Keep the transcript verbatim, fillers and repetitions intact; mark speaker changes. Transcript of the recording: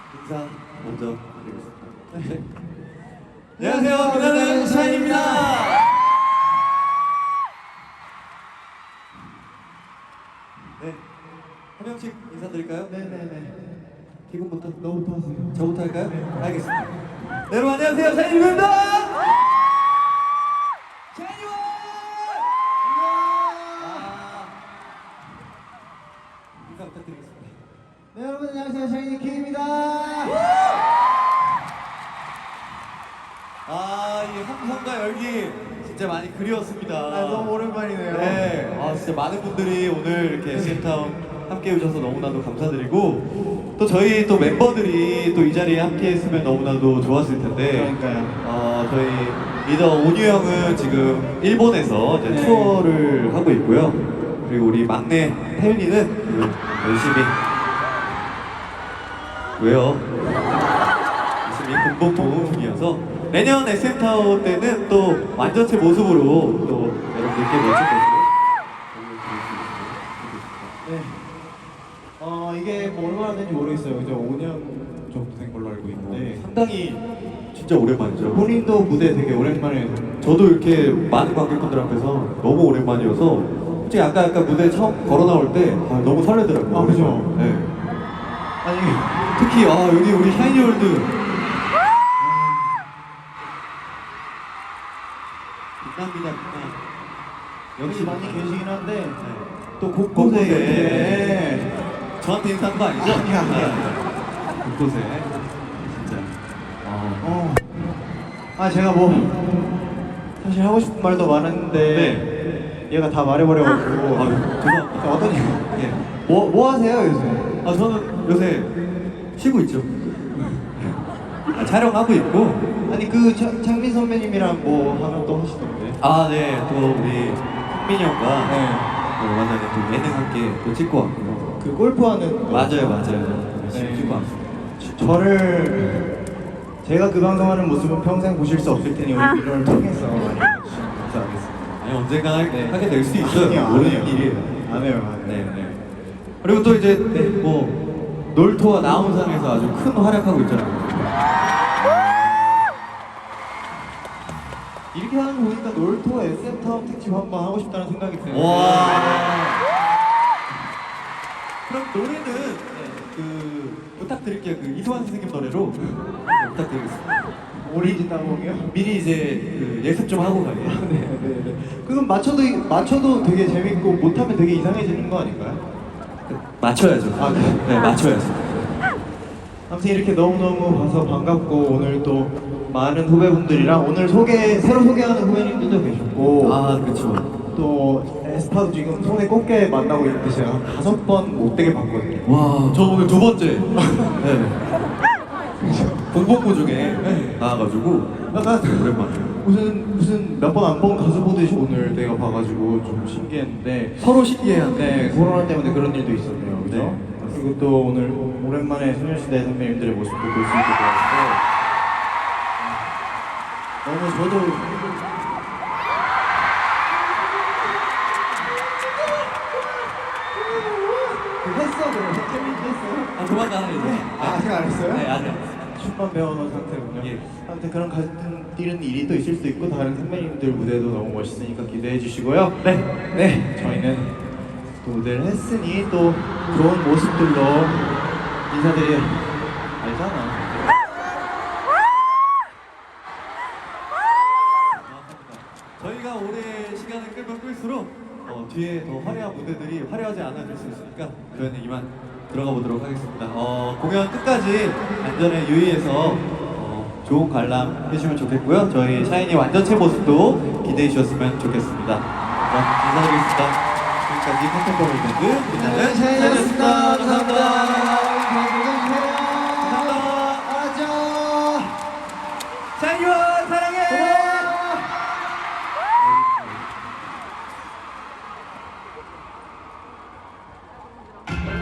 Speaker 1: 인사 먼저 드리겠습니다. 네. 안녕하세요, 빛나는 샤인입니다. 네, 한 명씩 인사드릴까요?
Speaker 2: 네네네.
Speaker 1: 기분부터
Speaker 2: 너부터 하세요.
Speaker 1: 저부터 할까요? 네. 알겠습니다. 네, 여러분 안녕하세요, 샤인입니다. 샤인이와 인사 부탁드리겠습니다.
Speaker 2: 네 여러분 안녕하세요, 샤이니 킴입니다.
Speaker 1: 아, 이 함성과 열기 진짜 많이 그리웠습니다.
Speaker 2: 아, 너무 오랜만이네요.
Speaker 1: 네, 아 진짜 많은 분들이 오늘 이렇게 에스엠타운 함께 해주셔서 너무나도 감사드리고 또 저희 또 멤버들이 또 이 자리에 함께 했으면 너무나도 좋았을 텐데
Speaker 2: 그러니까요.
Speaker 1: 어, 저희 리더 온유 형은 지금 일본에서 이제
Speaker 2: 네.
Speaker 1: 투어를 하고 있고요. 그리고 우리 막내 태윤이는 열심히 왜요? 열심히 공복 모음 중이어서 내년 에스엠타운 때는 또 완전체 모습으로 또 여러분들께 멋진 모습을 보여드릴 수 있습니다.
Speaker 2: 네. 어 이게 뭐 얼마나 된지 모르겠어요. 이제 오 년 정도 된 걸로 알고 있는데
Speaker 1: 상당히 진짜 오랜만이죠.
Speaker 2: 본인도 무대 되게 오랜만에.
Speaker 1: 저도 이렇게 많은 관객분들 앞에서 너무 오랜만이어서 솔직히 아까 아까 무대 처음 걸어 나올 때 아, 너무 설레더라고요.
Speaker 2: 아, 그죠?
Speaker 1: 네.
Speaker 2: 아니
Speaker 1: 특히 아 여기 우리 샤이니월드 빛납니다. 빛나.
Speaker 2: 역시 많이 계시긴 한데
Speaker 1: 네.
Speaker 2: 또 곳곳에
Speaker 1: 곳곳에.
Speaker 2: 이렇게
Speaker 1: 저한테 인사한 거 아니죠?
Speaker 2: 아니야, 아니야.
Speaker 1: 아, 곳곳에 진짜. 아,
Speaker 2: 어. 아 제가 뭐 사실 하고 싶은 말도 많았는데 얘가 다 말해버려가지고.
Speaker 1: 아, 죄송합니다.
Speaker 2: 어떤
Speaker 1: 예.
Speaker 2: 뭐, 뭐 하세요 요새?
Speaker 1: 아 저는 요새 쉬고 있죠. 아, 촬영하고 있고.
Speaker 2: 아니 그 차, 창민 선배님이랑 뭐 하면 또 하시던데.
Speaker 1: 아, 네. 또 우리 흥민이 형과
Speaker 2: 네.
Speaker 1: 또 만나는 또 예능 함께 또 찍고 왔고요.
Speaker 2: 그 골프하는.
Speaker 1: 맞아요, 맞아요. 열심히
Speaker 2: 네.
Speaker 1: 찍고 왔습니다.
Speaker 2: 저- 저를 제가 그 방송하는 모습은 평생 보실 수 없을 테니 오늘 이걸 통해서 많이 봐주시면 감사하겠습니다.
Speaker 1: 아니 언젠가 할-
Speaker 2: 네.
Speaker 1: 하게 될 수 있어요.
Speaker 2: 아니요, 안
Speaker 1: 모르는
Speaker 2: 해요.
Speaker 1: 일이에요.
Speaker 2: 안 해요, 안
Speaker 1: 네,
Speaker 2: 해요.
Speaker 1: 네. 그리고 또 이제 뭐 놀토와 나온상에서 아주 큰 활약하고 있잖아요.
Speaker 2: 이렇게 하는 거 보니까 놀토 에스엠타운 특집 한번 하고 싶다는 생각이 드는데.
Speaker 1: 와. 그럼 노래는 그 부탁드릴게요. 그 이소환 선생님 노래로 네, 부탁드리겠습니다.
Speaker 2: 오리진 따봉이요?
Speaker 1: 미리 이제 그 예습 좀 하고 가요.
Speaker 2: 네, 네, 네. 그건 맞춰도 맞춰도 되게 재밌고 못하면 되게 이상해지는 거 아닌가요?
Speaker 1: 맞춰야죠.
Speaker 2: 아, 그래요?
Speaker 1: 네, 맞춰야죠.
Speaker 2: 아무튼 이렇게 너무너무 봐서 반갑고 오늘 또 많은 후배분들이랑 오늘 소개 새로 소개하는 후배님들도 계셨고
Speaker 1: 아, 그렇죠.
Speaker 2: 또 에스파도 지금 손에 꼽게 만나고 있는데 제가 한 다섯 번 못되게 봤거든요.
Speaker 1: 와, 저 오늘 두 번째. 네. 공복부 중에 나와가지고
Speaker 2: 약간
Speaker 1: 오랜만에.
Speaker 2: 무슨 무슨 몇 번 안 본 가수 보듯이 오늘 내가 봐가지고 좀 신기했는데
Speaker 1: 서로 신기해한데.
Speaker 2: 네, 코로나 때문에 그런 일도 있었네요, 그죠?
Speaker 1: 네.
Speaker 2: 그리고 또 오늘 오랜만에 소녀시대 선배님들의 모습도 볼 수 있게 되었고 너무 저도 그 했어, 그럼 챌린지 했어요?
Speaker 1: 아, 조만간 하겠네.
Speaker 2: 아, 아직 안 했어요?
Speaker 1: 네, 아직 안 했어요.
Speaker 2: 춤만 배워놓은 상태군요.
Speaker 1: 예.
Speaker 2: 아무튼 그런 같은 뛰는 일이 또 있을 수도 있고 다른 선배님들 무대도 너무 멋있으니까 기대해 주시고요. 네, 네, 저희는 또 무대를 했으니 또 좋은 모습들로 인사드려. 알잖아.
Speaker 1: 저희가 올해 시간을 끌면 끌수록 어, 뒤에 더 화려한 무대들이 화려하지 않아질 수 있으니까 저희는 이만 들어가 보도록 하겠습니다. 어, 공연 끝까지 안전에 유의해서 어, 좋은 관람 해주시면 좋겠고요. 저희 샤이니 완전체 모습도 기대해 주셨으면 좋겠습니다. 그럼 인사드리겠습니다. 지금까지 컨템포러리 밴드 빛나는 샤이니였습니다. 감사합니다.